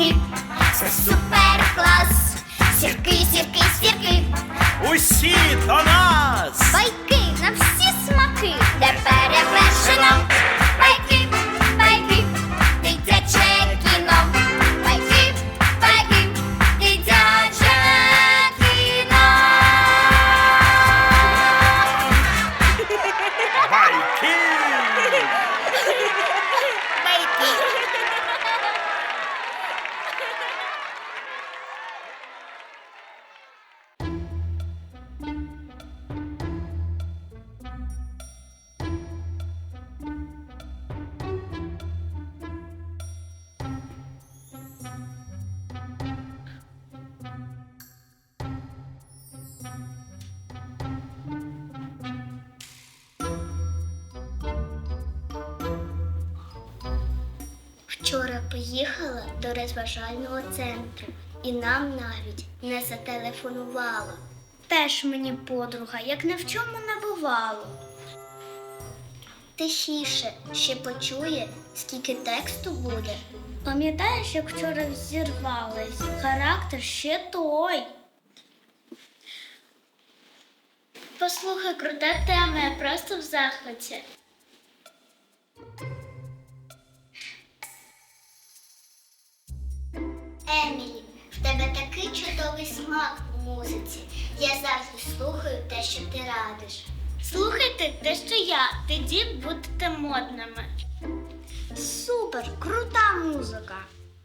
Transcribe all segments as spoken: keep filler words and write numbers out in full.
сірки, це супер клас. Сірки, сірки, сірки, Усі до нас! байки на всі смаки, де перевершено. Байки, байки, дитяче кіно. Байки, байки, дитяче кіно. Байки! Вчора поїхала до розважального центру і нам навіть не зателефонувала. Теж мені подруга, як ні в чому не бувало. Тихіше, ще почує, скільки тексту буде. Пам'ятаєш, як вчора зірвались? Характер ще той. Послухай, крута тема, я просто в захваті. Емілі, в тебе такий чудовий смак у музиці. Я завжди слухаю те, що ти радиш. Слухайте те, що я, тоді будете модними. Супер, крута музика.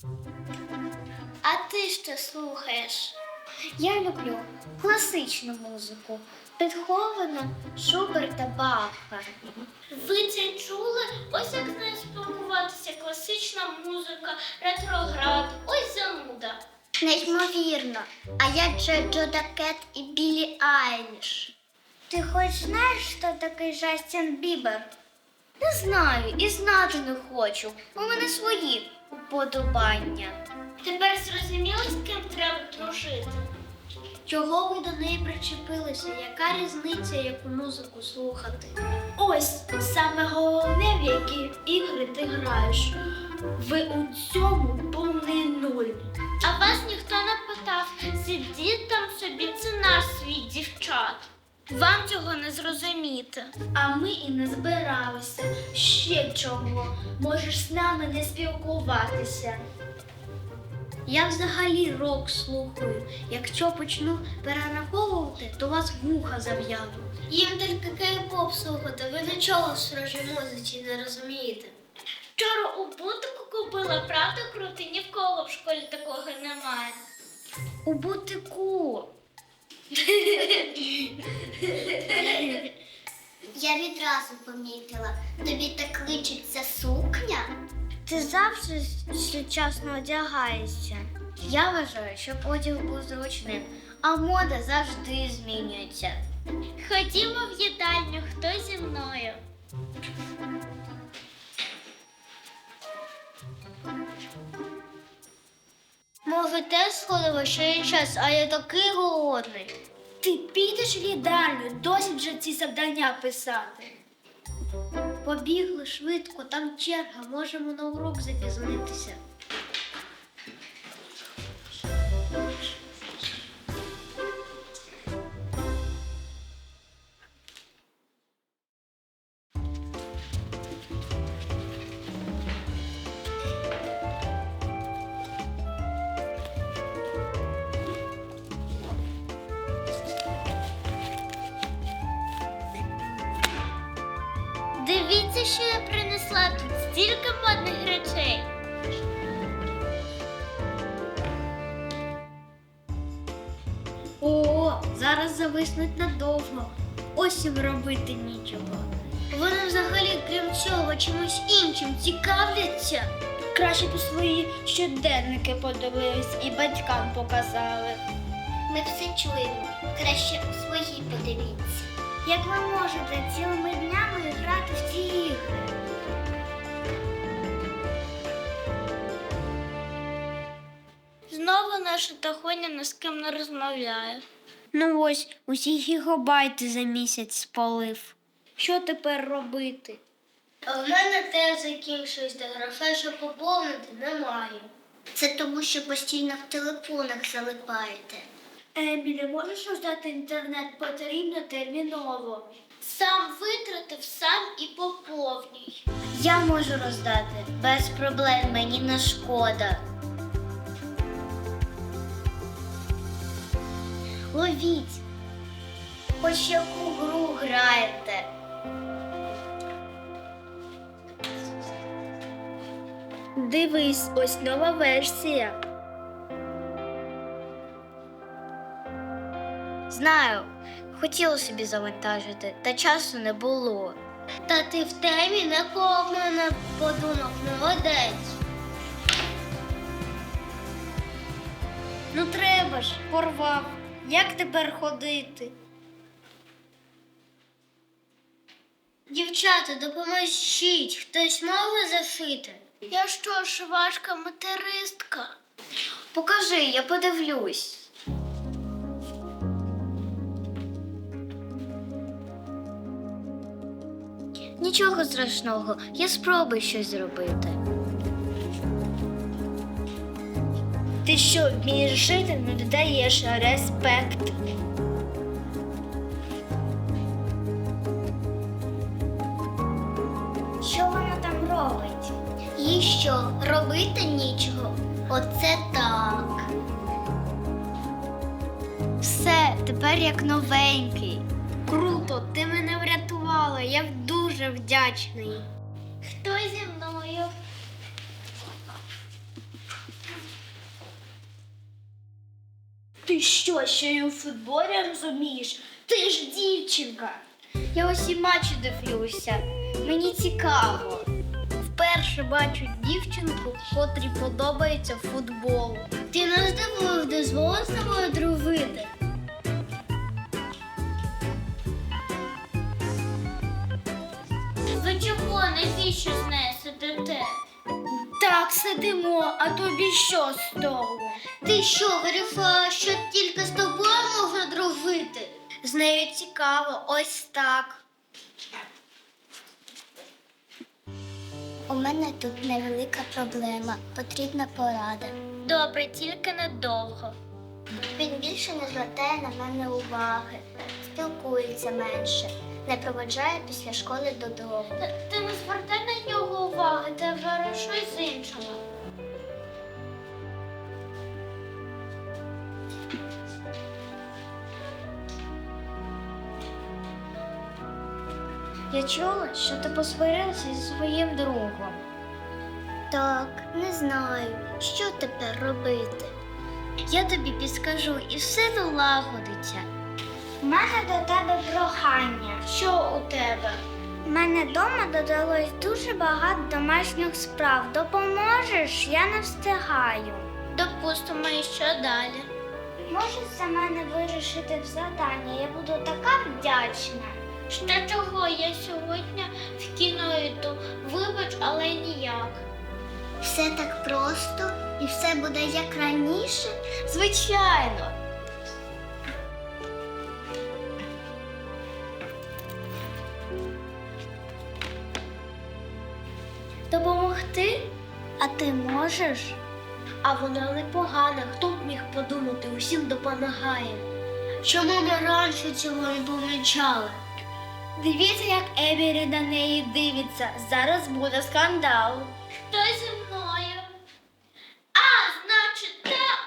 А ти що слухаєш? Я люблю класичну музику. Бетховена, Шуберта, Баха. Ви це чули? Ось як знає спілкуватися класична музика, ретроград, ось зануда. Неймовірно. А я Джо Джода Кет і Білі Айліш. Ти хоч знаєш, хто такий Джастін Бібер? Не знаю і знати не хочу. У мене свої уподобання. Тепер зрозуміло, з ким треба дружити? Чого ви до неї причепилися? Яка різниця, яку музику слухати? Ось саме головне, в які ігри ти граєш. Ви у цьому повний нуль. А вас ніхто не питав. Сидіть там собі, це наш світ, дівчат. Вам цього не зрозуміти. А ми і не збиралися. Ще чого? Можеш з нами не спілкуватися. Я взагалі рок слухаю. Якщо почну перераховувати, то вас вуха зав'януть. Їм тільки кей-поп слухати, ви нічого в схожій музиці не розумієте. Вчора у бутику купила, правда крутий? Ні в кого в школі такого немає. У бутику. Я відразу помітила. Тобі так личиться сукня? Ти завжди сучасно одягаєшся. Я вважаю, щоб одяг був зручним, а мода завжди змінюється. Ходімо в їдальню, хто зі мною? Може, теж сходимо, що є час, а я такий голодний. Ти підеш в їдальню, досить вже ці завдання писати. Побігли швидко, там черга, можемо на урок запізнитися. Дивіться, що я принесла, тут стільки модних речей. О, зараз зависнуть надовго. Ось їм робити нічого. Вони взагалі, крім цього, чимось іншим цікавляться. Краще б свої щоденники подивились і батькам показали. Ми все чуємо. Краще свої подивіться. Як ви можете цілими днями грати в ці ігри? Знову наша Тахоня ні з ким не розмовляє. Ну ось, усі гігабайти за місяць спалив. Що тепер робити? А в мене теж закінчується, грошей, щоб поповнити, немає. Це тому, що постійно в телефонах залипаєте. Емілі, можеш роздати інтернет? Потрібно терміново. Сам витратив, сам і поповнюй. Я можу роздати. Без проблем, мені не шкода. Ловіть. Хоч яку гру граєте. Дивись, ось нова версія. Знаю, хотіла собі завантажити, та часу не було. Та ти в темі, на кого в мене подумав, молодець. Ну треба ж, порвав. Як тепер ходити? Дівчата, допоможіть, хтось може зашити? Я що, швачка материстка? Покажи, я подивлюсь. Нічого страшного, я спробую щось зробити. Ти що, вмієш жити, не додаєш респект. Що вона там робить? Їй що, робити нічого? Оце так. Все, тепер як новенький. Круто, ти мене врятувала, я дуже вдячний. Хто зі мною? Ти що, ще й у футболі розумієш? Ти ж дівчинка. Я усі матчі дивлюся. Мені цікаво. Вперше бачу дівчинку, котрій подобається футбол. Ти нас дивив, дозволив з тобою дружити? Ви чого, навіщо з нею сидите? Так, сидимо, а тобі що з того? Ти що, вирішила, що тільки з тобою можна дружити? З нею цікаво, ось так. У мене тут невелика проблема, потрібна порада. Добре, тільки недовго. Він більше не звертає на мене уваги, спілкується менше, не проводжає після школи додому. Ти не звертай на нього уваги, ти вже щось з іншого. Я чула, що ти посварилася зі своїм другом. Так, не знаю, що тепер робити. Я тобі підскажу і все налагодиться. У мене до тебе прохання. Що у тебе? У мене вдома додалось дуже багато домашніх справ. Допоможеш? Я не встигаю. Допустимо, і що далі? Можеш за мене вирішити завдання? Я буду така вдячна. Ще чого? Я сьогодні в кіно йду. Вибач, але ніяк. Все так просто і все буде як раніше? Звичайно. Допомогти? А ти можеш? А вона непогана, хто б міг подумати, усім допомагає. Чому ми раніше цього не помічали? Дивіться, як Емілі на неї дивиться. Зараз буде скандал. Хто зі мною? А, значить так.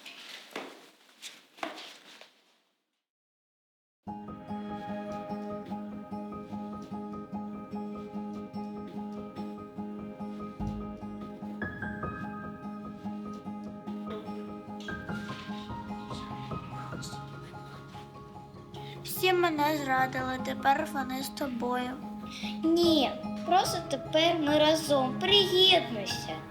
Всі мене зрадили, тепер вони з тобою. Ні, просто тепер ми разом. Приєднуйся.